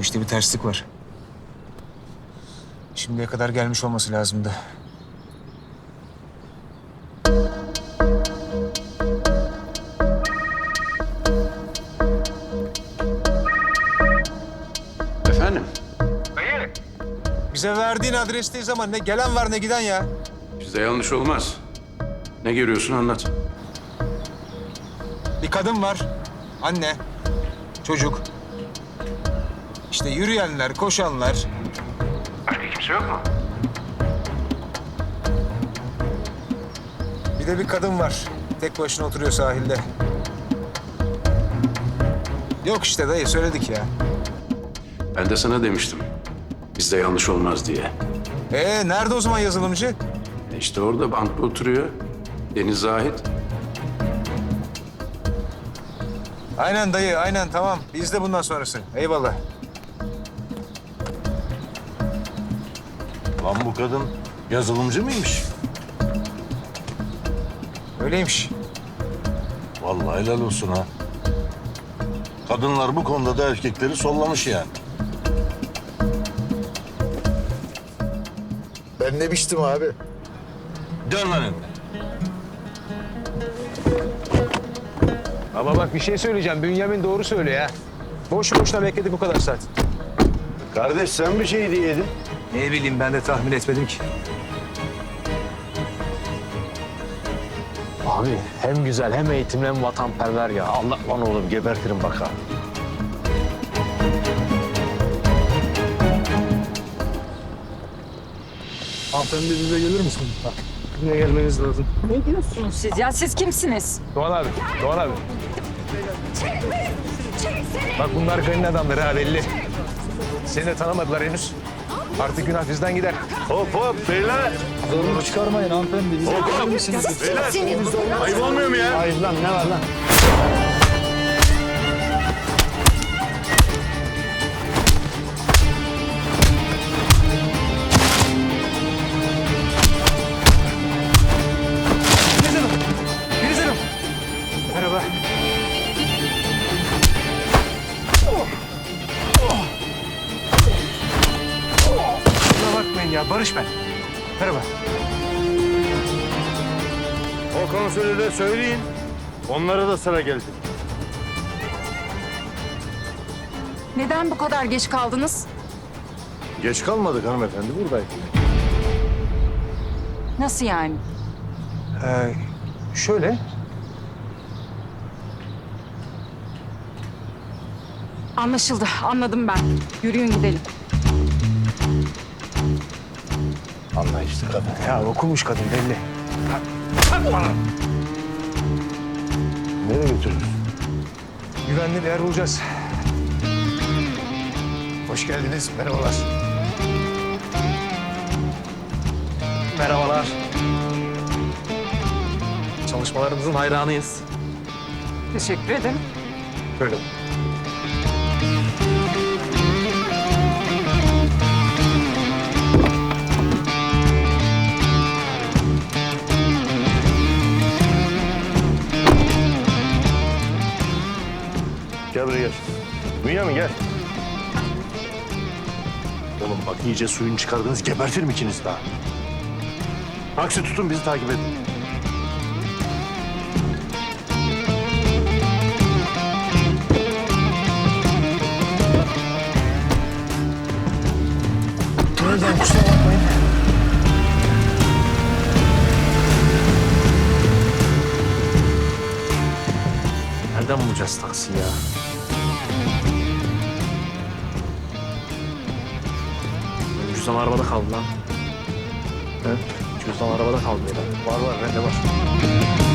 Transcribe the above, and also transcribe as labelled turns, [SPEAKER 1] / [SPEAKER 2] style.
[SPEAKER 1] Bu işte bir terslik var. Şimdiye kadar gelmiş olması lazımdı.
[SPEAKER 2] Efendim?
[SPEAKER 1] Bize verdiğin adresteyiz ama ne gelen var ne giden ya.
[SPEAKER 2] Bizde yanlış olmaz. Ne görüyorsun anlat.
[SPEAKER 1] Bir kadın var. Anne. Çocuk. İşte yürüyenler, koşanlar.
[SPEAKER 2] Başka kimse yok mu?
[SPEAKER 1] Bir de bir kadın var. Tek başına oturuyor sahilde. Yok işte dayı söyledik ya.
[SPEAKER 2] Ben de sana demiştim. Bizde yanlış olmaz diye.
[SPEAKER 1] Nerede o zaman yazılımcı?
[SPEAKER 2] İşte orada bankta oturuyor. Deniz Zahit.
[SPEAKER 1] Aynen dayı, aynen tamam. Bizde bundan sonrası. Eyvallah.
[SPEAKER 3] Lan bu kadın yazılımcı mıymış?
[SPEAKER 1] Öyleymiş.
[SPEAKER 3] Vallahi helal olsun ha. Kadınlar bu konuda da erkekleri sollamış yani.
[SPEAKER 4] Ben ne biçtim abi?
[SPEAKER 3] Dön lan önüne.
[SPEAKER 1] Ama bak bir şey söyleyeceğim. Bünyamin doğru söylüyor ya. Boşu boşuna bekledik bu kadar saat.
[SPEAKER 3] Kardeş sen bir şey diyedin.
[SPEAKER 1] Ne bileyim ben de tahmin etmedim ki.
[SPEAKER 5] Abi hem güzel hem eğitimli hem vatanperver ya. Allah lan oğlum gebertirim bak ha.
[SPEAKER 4] Hanımefendi bize gelir misin? Bak, buraya gelmeniz lazım.
[SPEAKER 6] Ne diyorsunuz siz ya? Siz kimsiniz?
[SPEAKER 1] Doğan abi, Doğan abi. Bak bunlar kayın adamları ha belli. Seni de tanımadılar henüz. Artık günah bizden gider.
[SPEAKER 3] Hop hop beyler.
[SPEAKER 4] Zorluk çıkarmayın hanımefendi. Bize gelir misiniz?
[SPEAKER 3] Beyler. Ayıp olmuyor mu ya?
[SPEAKER 4] Hayır lan ne var lan?
[SPEAKER 1] Merhaba. Kusura bakmayın ya, Barış ben. Merhaba.
[SPEAKER 3] O konsülü de söyleyin. Onlara da sıra geldi.
[SPEAKER 6] Neden bu kadar geç kaldınız?
[SPEAKER 3] Geç kalmadık hanımefendi buradaydık.
[SPEAKER 6] Nasıl yani?
[SPEAKER 1] Şöyle.
[SPEAKER 6] Anlaşıldı. Anladım ben. Yürüyün gidelim.
[SPEAKER 3] Anlayışlı kadın.
[SPEAKER 1] Ya okumuş kadın belli.
[SPEAKER 3] Nereye götürürüz?
[SPEAKER 1] Güvenli bir yer bulacağız. Hoş geldiniz. Merhabalar.
[SPEAKER 5] Merhabalar. Çalışmalarınızın hayranıyız.
[SPEAKER 6] Teşekkür ederim.
[SPEAKER 1] Böyle.
[SPEAKER 3] Gel buraya gel. Bünyamin gel. Oğlum bak iyice suyunu çıkardınız gebertirim ikiniz daha. Aksi tutun bizi takip edin.
[SPEAKER 4] Nereden kusura bakmayın.
[SPEAKER 5] Nereden bulacağız taksi ya? Cüzdan arabada kaldı lan. He? Cüzdan arabada kaldı ya.
[SPEAKER 1] Var bende var.